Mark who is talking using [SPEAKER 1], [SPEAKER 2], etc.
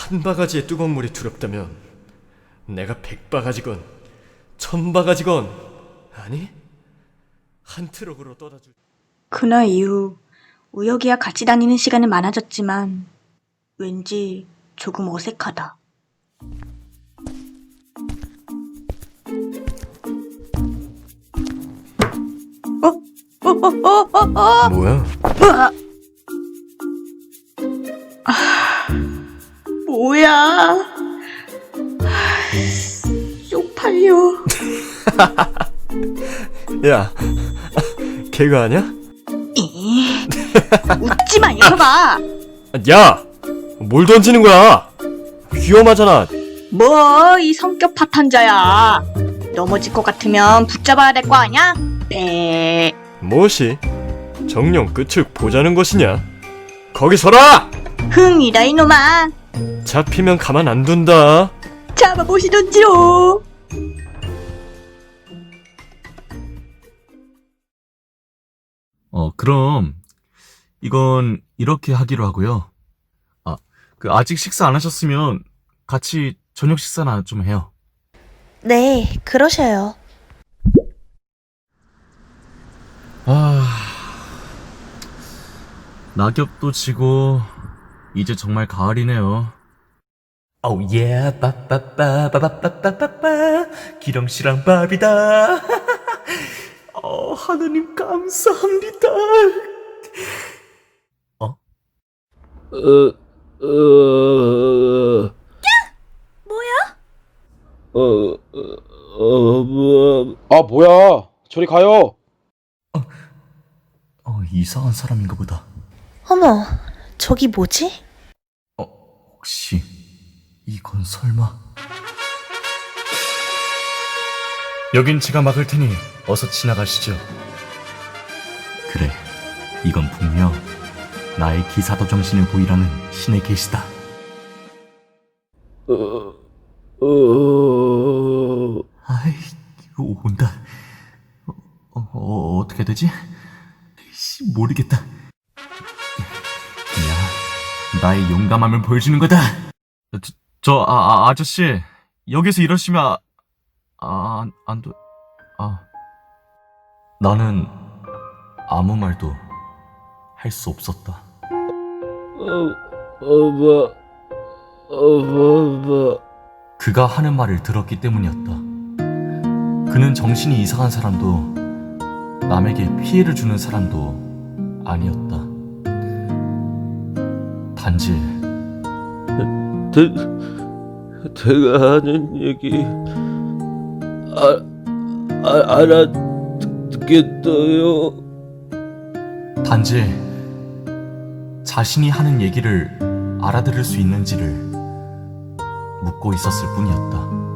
[SPEAKER 1] 한 바가지의 뜨거운 물이 두렵다면 내가 100바가지건 1000바가지건 아니 한 트럭으로 떠다 줄.
[SPEAKER 2] 그날 이후 우혁이와 같이 다니는 시간은 많아졌지만 왠지 조금 어색하다.
[SPEAKER 1] 뭐야?
[SPEAKER 2] 뭐야? 쪽팔려.
[SPEAKER 1] 야, 걔가 아냐?
[SPEAKER 2] 웃지 마, 이놈아.
[SPEAKER 1] 야! 뭘 던지는 거야? 위험하잖아.
[SPEAKER 2] 뭐, 이 성격 파탄자야. 넘어질 것 같으면 붙잡아야 될 거 아냐? 배.
[SPEAKER 1] 무엇이? 정령 끝을 보자는 것이냐? 거기 서라!
[SPEAKER 2] 흥이다, 이놈아.
[SPEAKER 1] 잡히면 가만 안 둔다.
[SPEAKER 2] 잡아보시던지요.
[SPEAKER 3] 그럼 이건 이렇게 하기로 하고요. 아직 식사 안 하셨으면 같이 저녁 식사나 좀 해요.
[SPEAKER 4] 네, 그러셔요.
[SPEAKER 3] 낙엽도 지고 이제 정말 가을이네요.
[SPEAKER 5] Oh yeah, 빠빠빠빠빠빠빠빠 기령씨랑 밥이다. 하느님 감사합니다.
[SPEAKER 6] 뭐야. 저리 가요.
[SPEAKER 3] 이상한 사람인가 보다.
[SPEAKER 4] 어머, 저기 뭐지?
[SPEAKER 3] 혹시 이건 설마? 여긴 제가 막을 테니 어서 지나가시죠. 그래, 이건 분명 나의 기사도 정신을 보이라는 신의 계시다. 아이, 온다. 어떻게 되지? 모르겠다. 그냥 나의 용감함을 보여주는 거다. 아저씨, 여기서 이러시면 안 돼. 나는 아무 말도 할 수 없었다. 그가 하는 말을 들었기 때문이었다. 그는 정신이 이상한 사람도 남에게 피해를 주는 사람도 아니었다. 단지
[SPEAKER 7] 제가 하는 얘기 알아듣겠어요.
[SPEAKER 3] 단지 자신이 하는 얘기를 알아들을 수 있는지를 묻고 있었을 뿐이었다.